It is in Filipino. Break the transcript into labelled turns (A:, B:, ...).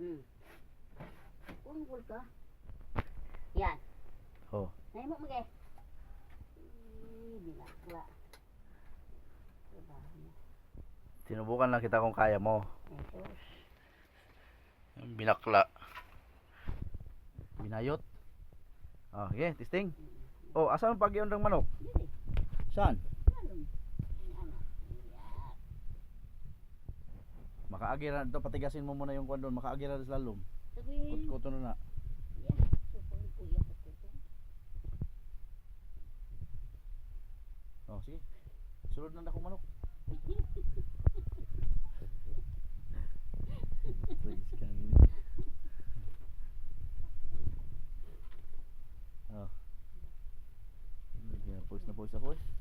A: Ungkol ka. Yan.
B: Oh.
A: Nahimo mo kay. Binakla.
B: Sinubukan lang kita kung kaya mo.
A: Ito.
B: Binakla. Binayot. Oh, okay, testing. Oh, asan ang pagyon ng manok?
A: Dili.
B: Saan?
A: Lalong. Anak. Yan.
B: Makaagira ito, patigasin mo muna yung kwan doon. Makaagira sa lalom.
A: Sabihin.
B: Kutkuto na na.
A: Yan. Supong kuya ko ito.
B: Oh, sige. Sulod na akong manok. Please, kami. Oh. Post na post ako eh.